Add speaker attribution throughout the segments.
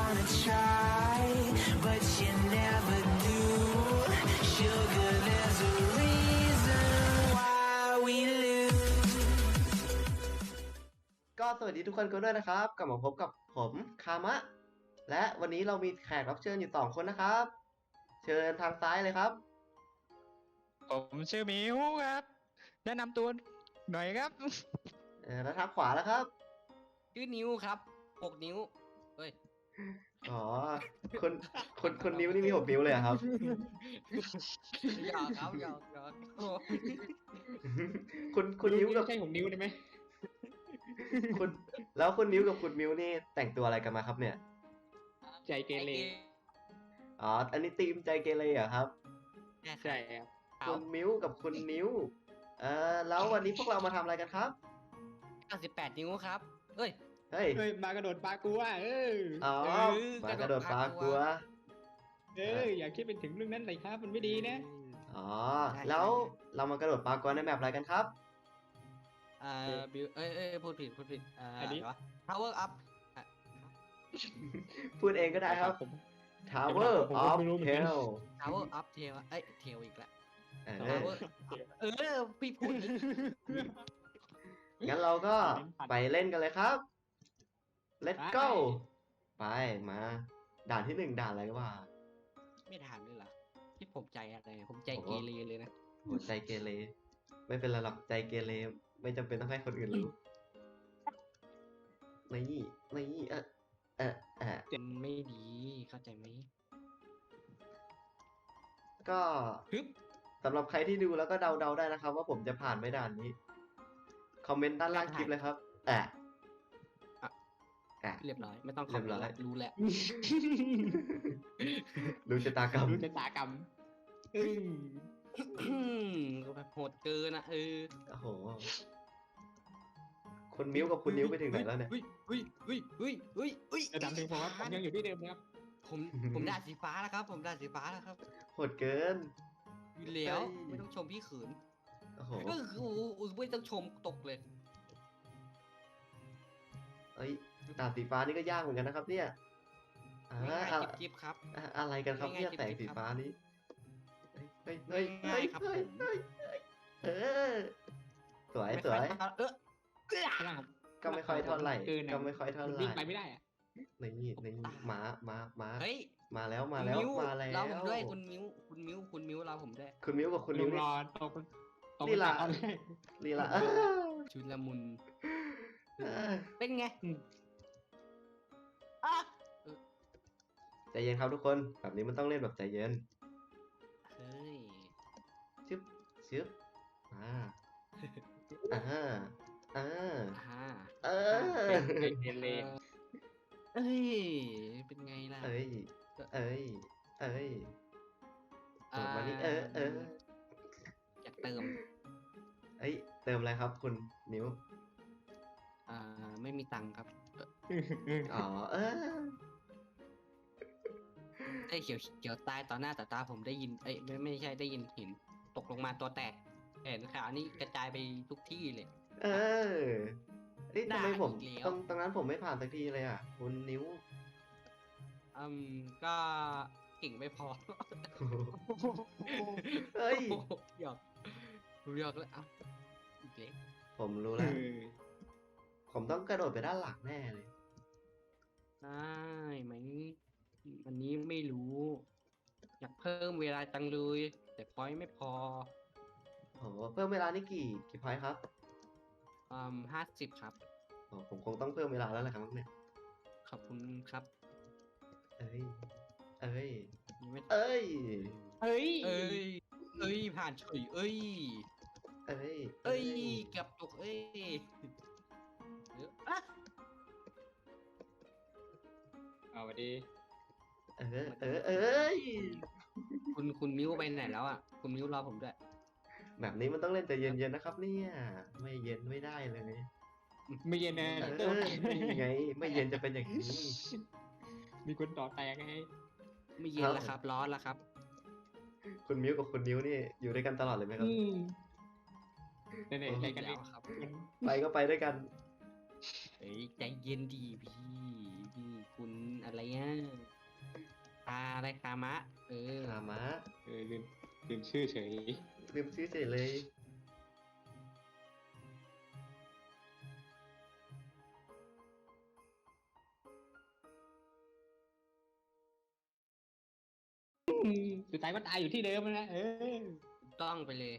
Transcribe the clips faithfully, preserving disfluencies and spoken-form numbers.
Speaker 1: wanna try, but you never do. Sugar, there's a reason why we lose.
Speaker 2: ก็สวัสดีทุกคนกันด้วยนะครับกลับมาพบกับผมคามะ และวันนี้เรามีแขกรับเชิญอยู่สองคนนะครับ เชิญทางซ้ายเลยครับ
Speaker 3: ผมชื่อหมิวครับ แนะนำตัวหน่อยครับ
Speaker 2: เออแล้วทางขวาแล้วครับ
Speaker 4: ชื่อนิ้วครับหกนิ้ว เฮ้ย
Speaker 2: อ๋อคนคนคนนิ้วนี่มีหกนิ้วเลยเหรอครับ
Speaker 4: หยอกครับหยอกหยอกโอ้
Speaker 2: คุณคุณนิ้วกับ
Speaker 3: ใช่ของนิ้วได้ไหม
Speaker 2: คุณแล้วคุณนิ้วกับคุณมิ้วนี่แต่งตัวอะไรกันมาครับเนี่ย
Speaker 3: ใจเกเร
Speaker 2: อ๋ออันนี้ทีมใจเกเรเหรอครับ
Speaker 3: ใช่ครับ
Speaker 2: คุณมิ้วกับคุณนิ้วเออแล้ววันนี้พวกเรามาทำอะไรกันครับ
Speaker 4: เก้าสิบแปดนิ้วครับเฮ้ย
Speaker 2: เฮ้ย
Speaker 3: เฮ้ยมากระโดดปลากูอ่ะเออ
Speaker 2: อ๋อ
Speaker 4: เออ
Speaker 2: มากระโดดปลากลัว
Speaker 3: เอออย่าคิดเป็นถึงเรื่องนั้นเลยครับมันไม่ดีนะ
Speaker 2: อ๋อ แล้วเรามากระโดดปลากรในแมปอะไรกันครับ
Speaker 4: อ่าบิวเอ้ยเอ้ยพูดผิดพูดผิดอ่า
Speaker 3: อันนี้
Speaker 4: อะไรวะ power up อ่ะ
Speaker 2: พูดเองก็ได้ครับ
Speaker 3: ผม
Speaker 2: Tower
Speaker 3: ผมก็
Speaker 2: of
Speaker 3: ไม่รู้เหมือนกัน
Speaker 2: Hell
Speaker 4: power up เทวะเอ้ยเทวอีกแล้ว
Speaker 2: เออ
Speaker 4: power up เออพี่พูดอีก
Speaker 2: งั้นเราก็ไปเล่นกันเลยครับ Let's go ไปมา ด่านที่หนึ่งด่านอะไรวะ
Speaker 4: ไม่ถามเลยเหรอที่ผมใจอะไรผมใจเกเรเลยนะ
Speaker 2: หัวใจเกเรไม่เป็นไรหรอกใจเกเรไม่จำเป็นต้องให้คนอื่นรู้นี่นี่เออเออเออ
Speaker 4: มันไม่ดีเข้าใจไหม
Speaker 2: ก็
Speaker 4: ฮึบ
Speaker 2: สำหรับใครที่ดูแล้วก็เดาๆได้นะครับ ว่าผมจะผ่านไม่ด่านนี้ คอมเมนต์ด้านล่างคลิปเลยครับแอะแอะ
Speaker 4: เรียบร้อยไม่ต้องข
Speaker 2: เรี
Speaker 4: อบ
Speaker 2: ยบร้อย
Speaker 4: แล้วรู้แล้ว
Speaker 2: รู้ชะตากรรม
Speaker 3: รู้ชะตากรรมอืม
Speaker 4: ก็แบบโหดเกินนะเออ
Speaker 2: โอ้โหคุณมิ้วกับคุณนิ้วไปถึงไหนแล้วเนี่ย
Speaker 4: เฮ้ยเฮ้ยเฮ้ยเฮ้ยเฮ้ยเฮ้ย
Speaker 3: จะทำถึงผมครับผมยังอยู่ที่เดิมนะครับ
Speaker 4: ผมผมได้สีฟ้าแล้วครับ ผมได้สีฟ้าแล้วครับ
Speaker 2: โหดเกิน
Speaker 4: อยู่แล้ว
Speaker 2: เฮ้ย
Speaker 4: ไม่ต้องชมพี่ขืน
Speaker 2: โอ้โห
Speaker 4: ก็คือโอ้โหไม่ต้องชมตกเลย
Speaker 2: เอ้ยด่านสีฟ้านี่ก็ยากเหมือนกันนะครับ เนี่ยอ่า
Speaker 4: ง่าย
Speaker 2: อะ
Speaker 4: ๆจิ๊บๆครับ
Speaker 2: อะอะไรกันครับเนี่ย
Speaker 4: ง่ายๆ
Speaker 2: แสง
Speaker 4: จิ๊
Speaker 2: สี
Speaker 4: บๆ
Speaker 2: ฟ้านี้เฮ้ยเฮ้ยเฮ้ย
Speaker 4: ง่ายๆครับ
Speaker 2: เฮ้ย
Speaker 4: ผม
Speaker 2: เฮ้ยเฮ้ยเออสวยสวย
Speaker 4: เออ
Speaker 3: ข้างล่างผม
Speaker 2: ก็ไม่ค่อยเท่าไหร่
Speaker 3: เกินอะ
Speaker 2: ก็ไม่ค่อยเท่าไหร่
Speaker 3: วิ่งไปไม่ได้อะ
Speaker 2: นี่นี่ม้าม้าม้า
Speaker 4: เฮ้ย
Speaker 2: มาแล้วมาแล้ว
Speaker 4: คุณมิ้
Speaker 2: มาแล้ว
Speaker 4: เราผมด้วยคุณมิ้วคุณมิ้วคุณมิ้วเราผมด้วย
Speaker 2: คุณมิ้วกับคุณ
Speaker 3: ลุ
Speaker 2: นิ้ว
Speaker 3: งรอตกตก
Speaker 2: นี่ล่ะ
Speaker 3: ตอนแรก
Speaker 2: ลีลา
Speaker 4: ชุนละมุน
Speaker 2: เออ
Speaker 4: เป็นไง
Speaker 3: อืม
Speaker 4: อ่ะ
Speaker 2: ใจเย็นครับทุกคนแบบนี้มันต้องเล่นแบบใจเย็น
Speaker 4: เฮ้ย
Speaker 2: ชึบชึบอ่าอ่าอ่า
Speaker 4: อ่า
Speaker 2: เออ
Speaker 3: เป็นเกเร
Speaker 4: เอ้ย เป็นไงล่ะ
Speaker 2: เอ้ยเอ้ยเอ้ยโดดมานี่เออเออ
Speaker 4: อยากเติม
Speaker 2: เอ้ยเติมอะไรครับคุณนิ้ว
Speaker 4: อ่า ไม่มีตังค์ครับ
Speaker 2: อ๋อเออ
Speaker 4: ไอ้ยเขียวเขียวตายต่อหน้าต่อตาผมได้ยิน เอ้ยไม่ไม่ใช่ได้ยินเห็นตกลงมาตัวแตกเห็นข่าวนี้กระจายไปทุกที่เลย
Speaker 2: เออเอ้ยทำไมผม
Speaker 4: ได้อีกแล้ว
Speaker 2: ตรงตรงนั้นผมไม่ผ่านสักทีเลยอ่ะคุณนิ้ว
Speaker 4: อืมก็เก่งไม่พอ
Speaker 2: เฮ้ย
Speaker 4: โอ้โหหยอกหยอกแล้วเอ้าอีกเล็ก
Speaker 2: ผมรู้แล้ว ผมต้องกระโดดไปด้านหลังแน่เลย
Speaker 4: ได้ไหมอันนี้ไม่รู้ อยากเพิ่มเวลาจังเลย แต่พอยต์ไม่พอ
Speaker 2: โอ้โหเพิ่มเวลานี่กี่กี่พอยต์ครับ
Speaker 4: อืมห้าสิบครับ
Speaker 2: โอ้ผมคงต้องเพิ่มเวลาแล้วแหละครับเนี่ย
Speaker 4: ขอบคุณครับ
Speaker 2: เอ้ย เอ้ย
Speaker 4: ยังไม่
Speaker 2: เอ้ย
Speaker 3: เฮ้ย
Speaker 4: เอ้ย เอ้ย ผ่านเฉยเอ้ย
Speaker 2: เอ้ย
Speaker 4: เอ้ยเกับตกเอ้ยเดี๋ยวอ่ะ
Speaker 3: เอาไปดี
Speaker 2: เออ เออ เอ้ย
Speaker 4: คุณคุณมิ้วไปไหนแล้วอ่ะ คุณมิ้วรอผมด้วย
Speaker 2: แบบนี้มันต้องเล่นแต่เย็นๆนะครับ เนี่ย ไม่เย็นไม่ได้เลย
Speaker 3: ไม่เย็นนะ
Speaker 2: เออไง ไม่เย็นจะเป็นอย่างนี้
Speaker 3: มีคนต่อแตกไง
Speaker 4: ไม่เย็นแล้วครับ ร้อนแล้วครับ
Speaker 2: คุณมิ้วกับคุณนิ้วนี่อยู่ด้วยกันตลอดเลยไหมครับ
Speaker 3: อืมเนี่ยๆใจกัน
Speaker 4: แล้
Speaker 3: เอ
Speaker 4: ว
Speaker 3: ง
Speaker 4: ครับ
Speaker 2: ไปก็ไปด้วยกัน
Speaker 4: เฮ้ยใจเย็นดีพี่พี่คุณอะไรอ่ะตาอะไรคามะ เออ
Speaker 2: คามะ
Speaker 3: เออลืมลืมชื่อเฉย
Speaker 2: ลืมชื่อเฉยเลย
Speaker 3: สุดท้ายก็ตายอยู่ที่เดิมนะเออ
Speaker 4: ต้องไปเลย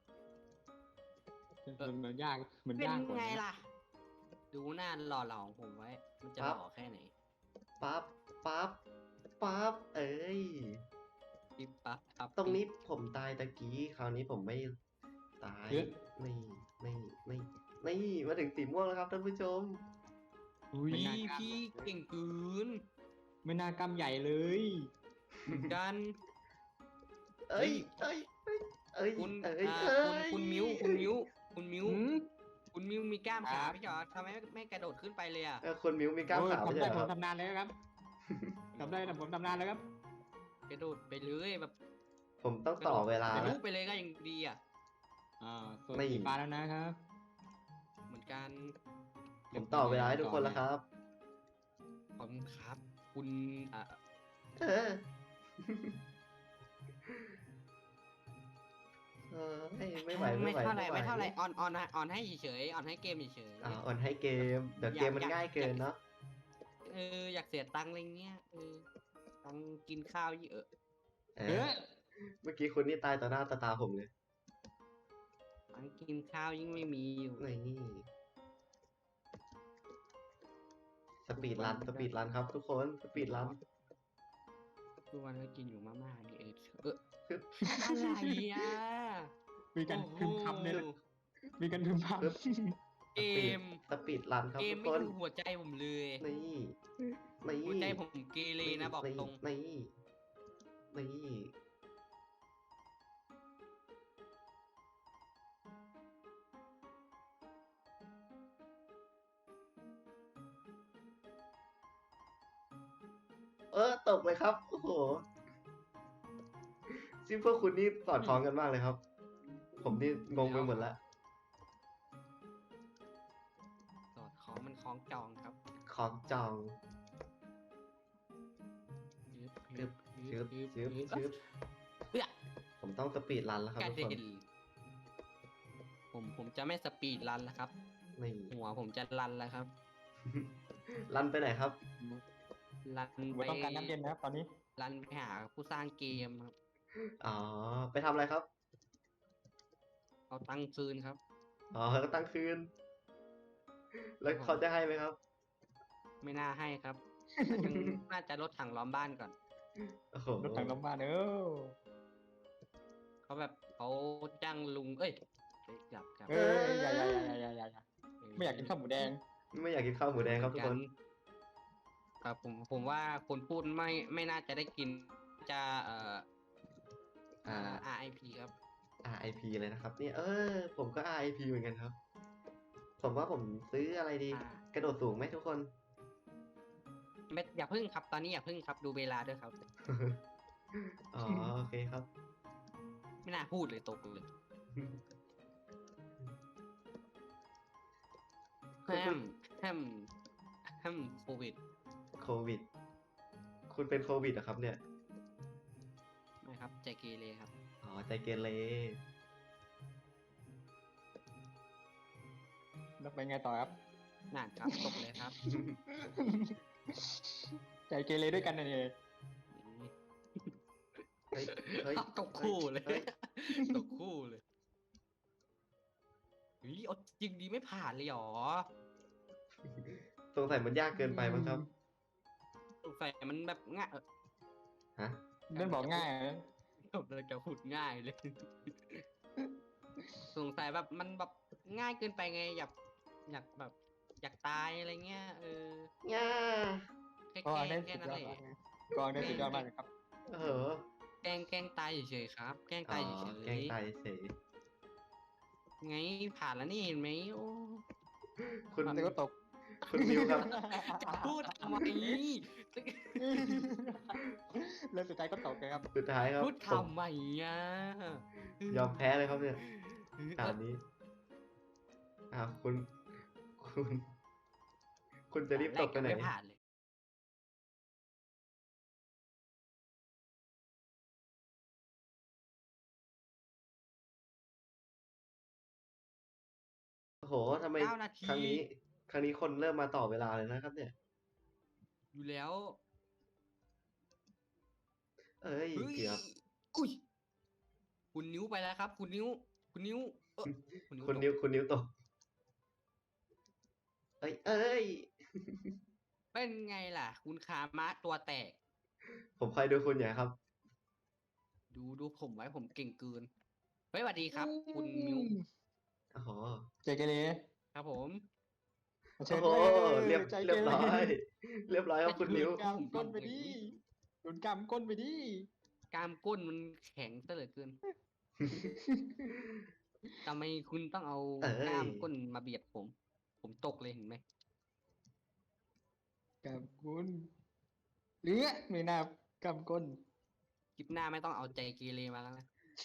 Speaker 3: มันมันยากมัน
Speaker 4: เป็น
Speaker 3: ยากกว่า
Speaker 4: ไง
Speaker 3: นะ
Speaker 4: ล่ะ ดูหน้าหล่อเหลาของผมไว้ มันจะหล่อแค่ไหน
Speaker 2: ปั๊บ ปั๊บ ปั๊บ เอ้ย
Speaker 4: ปิ๊บปั๊บปั๊บ
Speaker 2: ตรงนี้
Speaker 4: ปิ๊บ
Speaker 2: ผมตายตะกี้ คราวนี้ผมไม่ตาย
Speaker 3: เอ๊ะ
Speaker 2: นี่นี่นี่นี่มาถึงสีม่วงแล้วครับท่านผู้ชม
Speaker 4: อุ้ย
Speaker 3: ไม่น่ากล้า
Speaker 4: พี่เก่งเกิน
Speaker 3: ไม่น่ากำใหญ่เลย
Speaker 4: เหมือนกัน
Speaker 2: เอ้ย เอ้ย เอ้ย เอ้ย
Speaker 4: คุณ
Speaker 2: เอ้ย
Speaker 4: อ่า
Speaker 2: เอ้
Speaker 4: คุณ
Speaker 2: ย
Speaker 4: คุณมิ้ว คุณมิ้ว คุณมิ้ว
Speaker 3: หืม
Speaker 4: คุณมิ้วมีกล้าม
Speaker 3: ครั
Speaker 4: ขา
Speaker 3: บ
Speaker 4: ไม่ใช่เหรอทำไมไม่ไม่กระโดดขึ้นไปเลยอ่ะ
Speaker 2: เออคนมิวมีกล้าม
Speaker 3: โอ้ย
Speaker 2: ขาว
Speaker 3: ผม
Speaker 2: ใช่
Speaker 3: ได้
Speaker 2: ไหม
Speaker 3: ผ
Speaker 2: ค
Speaker 3: ม
Speaker 2: รับ
Speaker 3: ทำนานแล้วครับทำได้แต่ผมทำนานแล้วครับ
Speaker 4: กระโดดไปเลยแบบ
Speaker 2: ผมต้องต่อเวลา
Speaker 4: ทะลุ
Speaker 2: นะ
Speaker 4: ไปเลยก็ยังดีอ่ะ
Speaker 3: อ่าส่วน
Speaker 2: ไม่
Speaker 3: สีฟ้าแล้วนะครับ
Speaker 4: เหมือนกัน
Speaker 2: ผมต่อเวลาให้ทุกคนแล้วครับ
Speaker 4: ขอบคุณครับ คุณอ่ะ
Speaker 2: เออ เออไม่ไม่ไหวไม่
Speaker 4: ไม่
Speaker 2: ไหว
Speaker 4: เท่าไหร่
Speaker 2: ไหว
Speaker 4: ไม่เท่าไหร่ออนออนออนให้เฉยๆออนให้เกมเฉยๆ
Speaker 2: อ่าอ่อนให้เกม เดี๋ยว
Speaker 4: อยาก
Speaker 2: เกมมัน
Speaker 4: อยาก
Speaker 2: ง่ายเกินเนาะ
Speaker 4: เอออยากเสียตังค์อะไรเงี้ยเออตังค์กินข้าวเยอะ
Speaker 2: เอ
Speaker 3: เอ
Speaker 2: อ
Speaker 3: อ
Speaker 2: เมื่อกี้คุณนี่ตายต่อหน้าต่อตาผมเลย
Speaker 4: ตังค์กินข้าวยิ่งไม่มีอยู่
Speaker 2: นี่สปีดรันสปีดรันครับทุกคนสปีดรัน
Speaker 4: ทุกวันก็กินอยู่มาม่านี่เออเออ
Speaker 2: คือ
Speaker 4: อะไรอ่ะ
Speaker 3: มีกัน
Speaker 4: โอ้โห
Speaker 3: พึมพำเนี่ยมีกันพึมพำ
Speaker 4: เกม
Speaker 2: สปีดรันครับ
Speaker 4: เกม
Speaker 2: ทุก
Speaker 4: ไม่
Speaker 2: คน
Speaker 4: ถูกหัวใจผมเลย
Speaker 2: นี่นี่
Speaker 4: หัวใจผมเกเรนะบอกตรง
Speaker 2: นี่นี่เออตกเลยครับ โอ้โหซิพวกคุณนี่สอดคล้องกันมากเลยครับ ผมนี่งงไปหมดแล้ว
Speaker 4: สอดคล้องมันคล้องจองครับ
Speaker 2: ของจอง
Speaker 4: ยึบ
Speaker 2: ชึบ
Speaker 4: ยึบ
Speaker 2: ชึบ
Speaker 4: ยึบ
Speaker 2: ชึบชึบ
Speaker 4: เอ้ย
Speaker 2: ผมต้องสปีดรันแล้วครับ
Speaker 4: กระ
Speaker 2: ทุกคน
Speaker 4: เด็นผมผมจะไม่สปีดรันแล้วครับ
Speaker 2: นี่
Speaker 4: หัวผมจะรันแล้วครับ
Speaker 2: รันไปไหนครับ
Speaker 4: รัน
Speaker 3: ผม
Speaker 4: ไป
Speaker 3: ต้องการน้ำเย็นนะครับตอนนี้
Speaker 4: รันไปหาผู้สร้างเกมครับ
Speaker 2: อ๋อ ไปทำอะไรครับ
Speaker 4: เอาตังค์คืนครับ
Speaker 2: อ๋อก็ตั้งคืน แล้วเขาจะให้ไหมครับ
Speaker 4: ไม่น่าให้ครับ น่าจะน่าจะลดถังล้อมบ้านก่อน
Speaker 2: โอ้โห
Speaker 3: รถถังลมบ้านเออ
Speaker 4: เขาแบบเขาจ้างลุง เอ้ยเอ้ยจับจับ
Speaker 3: เอ้ยอย่าอย่าอย่าอย่าอย่าอย่าไม่อยากกินข้าวหมูแดง
Speaker 2: ไม่อยากกินข้าวหมูแดงครับทุกคน
Speaker 4: ครับผมผมว่าคนพูดไม่ไม่น่าจะได้กินจะเอ่อ
Speaker 2: อ่า
Speaker 4: อาร์ ไอ พี ครับ
Speaker 2: อาร์ ไอ พี เลยนะครับเนี่ยเออ ผมก็ อาร์ ไอ พี เหมือนกันครับ ผมว่าผมซื้ออะไรดี
Speaker 4: อ่า
Speaker 2: กระโดดสูงไหมทุกคน
Speaker 4: ไม่อย่าพึ่งครับ ตอนนี้อย่าพึ่งครับ ดูเวลาด้วยครับ
Speaker 2: อ๋อ โอเคครับ
Speaker 4: ไม่น่าพูดเลยตกเลยแฮมแฮมแฮมโควิด
Speaker 2: โควิด คุณเป็นโควิดเหรอครับเนี่ย
Speaker 4: ไม่ครับใจเกเรครับ
Speaker 2: อ๋อ ใจเกเร
Speaker 3: แล้วไปไงต่อครับ
Speaker 4: นั่นครับตกเลยครับ
Speaker 3: ใจเกเรด้วยกันนะเนี่ย
Speaker 2: เฮ้ย เฮ้ย
Speaker 4: ตกคู่เลย
Speaker 2: ฮ้
Speaker 4: ตกคู่เลยวิเอาจริงดีไม่ผ่านเลยเหรอ
Speaker 2: สงสัยมันยากเกินไปมั้งครับ
Speaker 4: สงสัยมันแบบง่ายเออ
Speaker 2: ฮะ
Speaker 3: เล่นบอกง่ายนะ
Speaker 4: ผมเลยจะพูดง่ายเลย สงสัยแบบมันแบบง่ายเกินไปไง อยากอยากแบบ อยากตายอะไรเงี้ยเออ
Speaker 2: ง่า
Speaker 4: แค่
Speaker 3: ก็
Speaker 4: แกล้
Speaker 3: ได้
Speaker 4: งแค่
Speaker 3: สุด
Speaker 4: นั้น
Speaker 3: ยอ
Speaker 4: แห
Speaker 3: ด
Speaker 4: ละ
Speaker 3: มากนะก็ได้สุดยอดมากเลยครับ
Speaker 2: เออ
Speaker 4: แกล้งแกล้งตายเฉยๆครับ แกล้ง
Speaker 2: อ๋
Speaker 4: ตาย
Speaker 2: อ
Speaker 4: เฉย
Speaker 2: แกล้งตายเฉย
Speaker 4: ๆไงผ่านแล้วนี่เห็นไหมโอ้
Speaker 2: คุณ
Speaker 3: แต่ก็ตก
Speaker 2: คุณมิวครับ
Speaker 4: จะพูดทำไม
Speaker 3: แล้วสุดท้ายก็ตกเลยครับ
Speaker 2: สุดท้ายครับ
Speaker 4: พูด
Speaker 2: ผม
Speaker 4: ทำไมอ่ะ
Speaker 2: ยอมแพ้เลยครับเนี่ยด่านนี้อ้าวคุณ คุณ คุณจะรีบตกไปไหน
Speaker 4: ไม่ผ่านเลย
Speaker 2: โหทำไม
Speaker 4: เก้านาที
Speaker 2: ครั้งนี้ ครั้งนี้คนเริ่มมาต่อเวลาเลยนะครับ เนี่ย
Speaker 4: อยู่แล้ว
Speaker 2: เอ้ย
Speaker 4: เฮ้ย
Speaker 2: เกือบ
Speaker 4: อุ้ยคุณนิ้วไปแล้วครับ คุณนิ้ว คุณนิ้ว เออคุณนิ้ว
Speaker 2: คุณ
Speaker 4: ตก
Speaker 2: นิ้วคุณนิ้วตก เอ้ย เอ้ย
Speaker 4: เป็นไงล่ะ คุณคามะตัวแตก
Speaker 2: ผมคอยดูคุณอยู่ครับ
Speaker 4: ดูดูผมไว้ผมเก่งเกินเฮ้ยสวัสดีครับ คุณมิว
Speaker 2: โอ้โห
Speaker 3: ใจเกเร
Speaker 4: ครับผม
Speaker 3: เชิ
Speaker 2: โอ้
Speaker 3: ญ
Speaker 2: โห
Speaker 3: เลย
Speaker 2: เรียบ
Speaker 3: ใจ
Speaker 2: เรียบ
Speaker 3: เก
Speaker 2: ร้อย เรียบร้อยครับคุณนิ้ว
Speaker 3: กำก้นไปดิโดนกำก้นไปดิ
Speaker 4: กล้ามก้นมันแข็งซะเหลือเกินทำไมคุณต้องเอา
Speaker 2: เอ้ย
Speaker 4: กล้ามก้นมาเบียดผม ผมตกเลยเห็นไหม
Speaker 3: กำก้นเหลือไม่น่ากำก้น
Speaker 4: คลิปหน้าไม่ต้องเอาใจเกเรมาแล้วนะ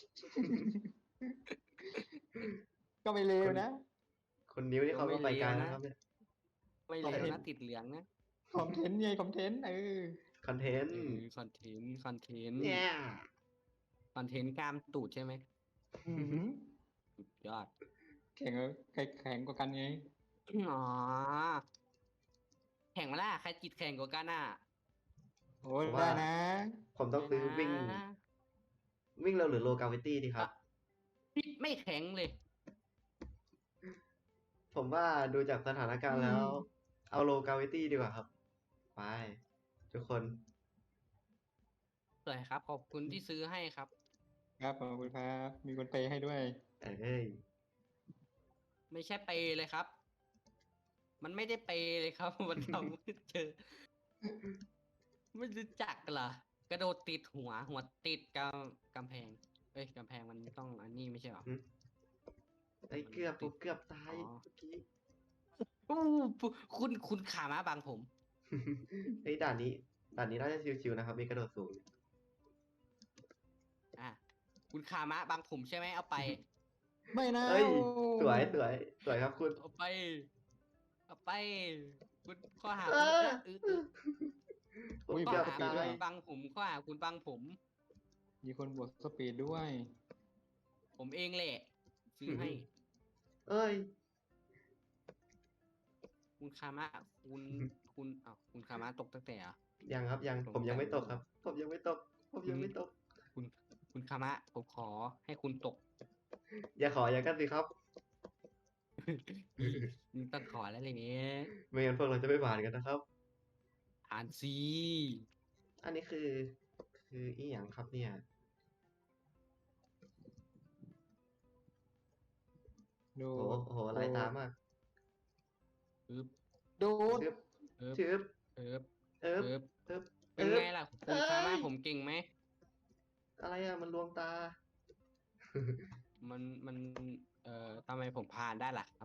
Speaker 3: ก็ไม่เลวนะ
Speaker 2: คุณนิ้วนี่เขาก็ไปไกลนะครับเนี่ย
Speaker 4: ไม่
Speaker 3: คอน
Speaker 4: เล
Speaker 3: เท
Speaker 4: วน
Speaker 3: ต์
Speaker 4: นะติดเหลืองนะ
Speaker 3: คอนเทนต์ไงคอนเทนต์เออ
Speaker 2: คอนเทน
Speaker 4: เอ
Speaker 2: ต์
Speaker 4: อคอนเทนต์คอนเทนต์
Speaker 2: เนี่ย
Speaker 4: คอนเทนต์กล้ามตูดใช่ไหม
Speaker 3: อื้อหือ
Speaker 4: สุดยอด
Speaker 3: แข่งกับใครแข่งกว่ากันไง
Speaker 4: อ๋อแข่งมาล่ะใครจิตแข่งกว่ากันอ่ะ
Speaker 3: โอ้ยได้นะ
Speaker 2: ผมต้องซื้อวิ่ง
Speaker 4: นะ
Speaker 2: วิ่งเร็วหรือโลกาวิตี้ดีครับ
Speaker 4: จิตไม่แข็งเลย
Speaker 2: ผมว่าดูจากสถานการณ์แล้ว เอาโลกาวิตี้ดีกว่าครับ ไป ทุกคน
Speaker 4: สวยครับ ขอบคุณที่ซื้อให้ครับ
Speaker 3: ครับขอบคุณครับ มีคนเปย์ให้ด้วย
Speaker 2: เอ้ย
Speaker 4: ไม่ใช่เปย์เลยครับ มันไม่ได้เปย์เลยครับ มันทำไม่เจอ ไม่รู้จักเหรอกระโดดติดหัว หัวติดกำกำแพง เอ้ยกำแพงมันต้องอันนี้ไม่ใช่เหรอ
Speaker 2: ไอ้ยเกือบผมเกือบตาย
Speaker 4: อ๋อ
Speaker 2: เมื่อกี้
Speaker 4: อู้ปุ๊คุณคุณขามาบังผม
Speaker 2: ไอ้ยด่านนี้ ด่านนี้น่าจะชิวๆนะครับ มีกระโดดสูง
Speaker 4: อ่ะ คุณขามะบังผมใช่ไหมเอาไป
Speaker 3: ไม่นะ
Speaker 2: เอ้ย สวยสวยสวยครับคุณ
Speaker 4: เอาไป เอาไป คุณข้อหา
Speaker 2: เอ
Speaker 4: คุณ
Speaker 2: อ
Speaker 4: เออเออ
Speaker 2: ผม
Speaker 4: ข้อ
Speaker 2: เกือบ
Speaker 4: หา
Speaker 2: ตา
Speaker 4: คุณ
Speaker 2: ย
Speaker 4: บังผมข้อหาคุณบังผม
Speaker 3: มีคนบวกสปีดด้วย
Speaker 4: ผมเองแหละ ซื้อให้
Speaker 2: เอ้ย
Speaker 4: คุณคามะ คุณ คุณอ้าวคุณคามะตกตั้งแต่เหรอ
Speaker 2: ยังครับยัง
Speaker 4: ผม
Speaker 2: ผมยังไม่
Speaker 4: จำ
Speaker 2: ตกครับ ผมยังไม่ตก ผมยังไม่ตก
Speaker 4: คุณ คุณคามะ ผมขอให้คุณตก
Speaker 2: อย่าขออย่างกันสิครับ
Speaker 4: นี่ต้องขอแล้วเลยเนี่ย
Speaker 2: ไม่งั้นพวกเราจะไม่ผ่านกันนะครับ
Speaker 4: อ่านซี
Speaker 2: อันนี้คือ คืออีหยังครับเนี่ย
Speaker 3: ดู
Speaker 2: โอ้โหโอ้โหหลายตามาก
Speaker 4: ปึ๊บ
Speaker 3: ดูด
Speaker 2: ชึบ
Speaker 4: เอิบ
Speaker 2: ชึบ
Speaker 4: เอิบ
Speaker 2: เอิบ
Speaker 4: เอิบ
Speaker 2: เอิบ
Speaker 4: เป็น
Speaker 2: เอิบ
Speaker 4: ไงล่ะ คุณคามะ
Speaker 2: เอ้ย
Speaker 4: ผมเก่งไหม
Speaker 2: อะไรอ่ะ มันลวงตา
Speaker 4: มัน มัน เอ่อทำไมผมผ่านได้ล่ะครับ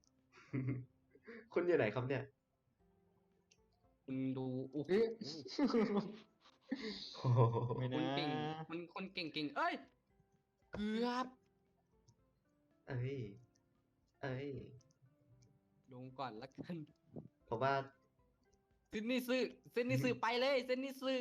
Speaker 2: คุณอยู่ไหนครับเนี่ย
Speaker 4: คุณดูโอ้โห
Speaker 3: เอ๊ะ
Speaker 2: โอ้โห
Speaker 3: ไม่
Speaker 4: คน
Speaker 3: นะ
Speaker 4: เก่ง มันคนเก่งเก่งเอ้ย เกือบ
Speaker 2: เอ้ย เอ้ย
Speaker 4: ลงก่อนละกัน
Speaker 2: ผมว่า
Speaker 4: เส้นนี้ซื้อเส้นนี้ซื้อไปเลย เส้นนี้ซื้อ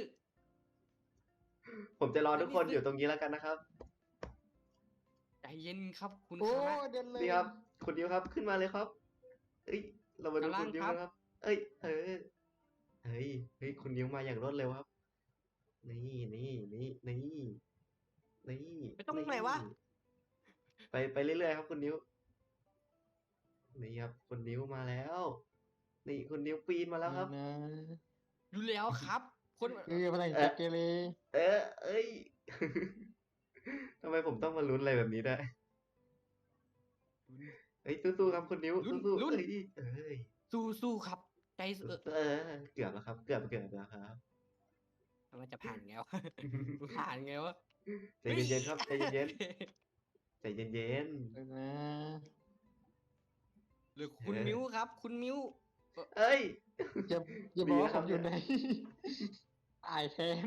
Speaker 2: ผมจะรอทุกคน
Speaker 4: ไม่มี
Speaker 2: อยู่ตรงนี้แล้วกันนะครับ
Speaker 4: ใจเย็นครับ คุณ
Speaker 3: โอ้
Speaker 4: คามะ
Speaker 3: เดินเลย
Speaker 2: นี่ครับ คุณดิวครับ ขึ้นมาเลยครับ เอ้ย เรามาดู
Speaker 4: กำลัง
Speaker 2: คุณดิว
Speaker 4: ครับ
Speaker 2: นะครับ เอ้ย เออ เฮ้ย เฮ้ย คุณดิวมาอย่างรวดเร็วครับ นี่นี่นี่นี่นี่
Speaker 4: ไปตรงไหนวะ
Speaker 2: ไปไปเรื่อยๆครับ คุณดิวนี่ครับ คุณดิวมาแล้ว นี่คุณดิวปีนมาแล้วครับ
Speaker 3: ไม่นะ
Speaker 4: อยู่แล้วครับ คน
Speaker 3: คือพลัง
Speaker 2: เอ๊ะ
Speaker 3: เกเร
Speaker 2: เออเอ้ย ทำไมผมต้องมาลุ้นอะไรแบบนี้ได้วยเฮ้ยสู้ๆครับคุณนิ้ว
Speaker 4: ลุ้น
Speaker 2: สู้ๆ
Speaker 4: ลุ้น
Speaker 2: เอ้ยเอ้ย
Speaker 4: สู้สู้ครับ ใจเออ
Speaker 2: เออเกือบแล้วครับ เกือบเกือบแล้วครับ
Speaker 4: มันจะผ่านไงวะ ผ่านไงวะ
Speaker 2: ใจเย็นๆครับใจเย็นๆใจเย็น
Speaker 3: เดินนะ
Speaker 4: หรือคุณ
Speaker 2: เออ
Speaker 4: มิ้วครับ คุณมิ้ว
Speaker 2: ๆเอ้ย
Speaker 3: อย่าอย่า
Speaker 2: ดี
Speaker 3: บอก
Speaker 2: นะ
Speaker 3: ว่า
Speaker 2: ค
Speaker 3: ผ
Speaker 2: รับ
Speaker 3: มอยู่
Speaker 2: เนี่ย
Speaker 3: ใน อายแทน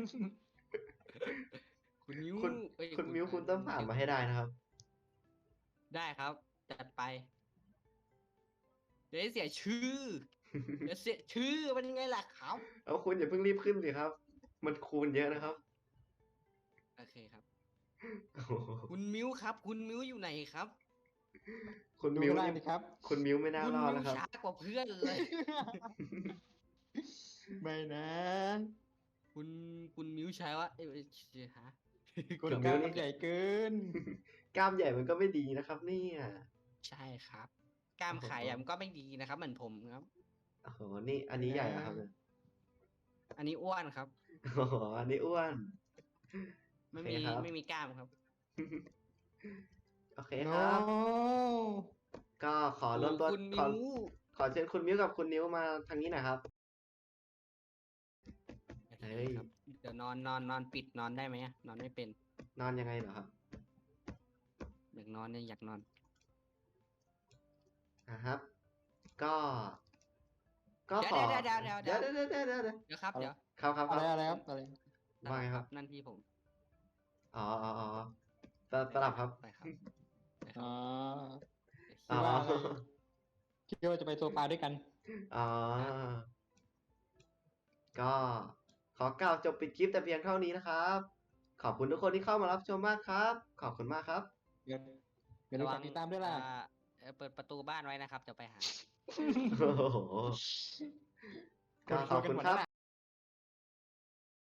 Speaker 4: คุณมิ้ว
Speaker 2: คุณ
Speaker 4: เอ้ย
Speaker 2: คุณมิ้วคุณต้องผ่านมาให้ได้นะครับ
Speaker 4: ได้ครับ จัดไป เดี๋ยวให้เสียชื่อ เดี๋ยวเสียชื่อเป็นยังไงล่ะครับ
Speaker 2: เอาคุณอย่าเพิ่งรีบขึ้นสิครับ มันคูณเยอะนะครับ
Speaker 4: โอเคครับ
Speaker 2: โอ้โห
Speaker 4: คุณมิ้วครับ คุณมิ้วอยู่ไหนครับ
Speaker 2: คุณ
Speaker 5: ดู
Speaker 2: มิว
Speaker 5: ข้างล่าง
Speaker 2: นี่
Speaker 5: ดิครับ
Speaker 2: คุณมิวไม่น่า
Speaker 4: คุณ
Speaker 2: รอด
Speaker 4: มิ
Speaker 2: แล้ว วครับ
Speaker 4: ช้ากว่าเพื่อนเลย
Speaker 5: ไม่นะ
Speaker 4: คุณคุณมิวใช้ว่าเอ้ยเอ้ยเดี๋ยวฮะ
Speaker 5: คุณ
Speaker 2: คุณ
Speaker 5: กล้าม
Speaker 2: มิวนี่
Speaker 5: ใหญ่เกิน
Speaker 2: กล้ามใหญ่มันก็ไม่ดีนะครับเนี่ย
Speaker 4: ใช่ครับกล้าม
Speaker 2: โอ้โห
Speaker 4: ไข่อะมันก็ไม่ดีนะครับ เหมือนผมครับ
Speaker 2: โอ้โหนี่อันนี้ใหญ่เหรอครับเนี่ย
Speaker 4: อันนี้อ้วนครับ
Speaker 2: โอ้โหอันนี้อ้วน
Speaker 4: ไม่
Speaker 2: โอ
Speaker 4: มี
Speaker 2: เคครับ
Speaker 4: ไม่มีกล้ามครับ
Speaker 2: โอเค
Speaker 5: โน
Speaker 2: ครับ ก็ขอรวมตัว
Speaker 4: คุณ
Speaker 2: ขอ
Speaker 4: มิว
Speaker 2: ขอเชิญคุณมิวกับคุณนิ้วมาทางนี้หน่อยครับ เฮ้ย
Speaker 4: ครับเดี๋ยวนอนนอนนอนปิดนอนได้ไหมอะนอนไม่เป็น
Speaker 2: นอนยังไงเหรอครับ
Speaker 4: อยากนอนเนี่ยอยากนอน
Speaker 2: อ่ะครับ ก็ ก็ขอ
Speaker 4: เดี๋ยวเดี๋ยวเดี๋ยวเดี๋
Speaker 2: เดี๋ย
Speaker 4: ยว ว
Speaker 2: เดี๋ยวเดี๋ยวเดี๋ยวเดี๋ยว
Speaker 4: เดี๋ยวครับ
Speaker 5: เอา
Speaker 4: เดี๋ยว
Speaker 2: ครับครับค
Speaker 5: อะไร
Speaker 2: รับ
Speaker 5: อะไรครับอะไร
Speaker 2: ว่าไงครับ
Speaker 4: นั่นที่ผม
Speaker 2: อ๋ออ๋ออ๋อสสลับครับ
Speaker 4: ไปครับไปค
Speaker 5: อ๋
Speaker 4: รั
Speaker 5: อบ
Speaker 2: อ๋อ
Speaker 5: คิดว่าอะไรคิดว่าจะไปโซฟาด้วยกัน
Speaker 2: อ๋อ ก็ขอกล่าวจบปิดคลิปแต่เพียงเท่านี้นะครับ ขอบคุณทุกคนที่เข้ามารับชมมากครับ ขอบคุณมากครับ
Speaker 5: เดี๋ยวเดี๋ยวดูฝากติดตามด้วยล่ะ
Speaker 4: อ่าเอ่อเปิดประตูบ้านไว้นะครับ จะไปหา
Speaker 2: โอ้โห ก็ขอบคุณครับ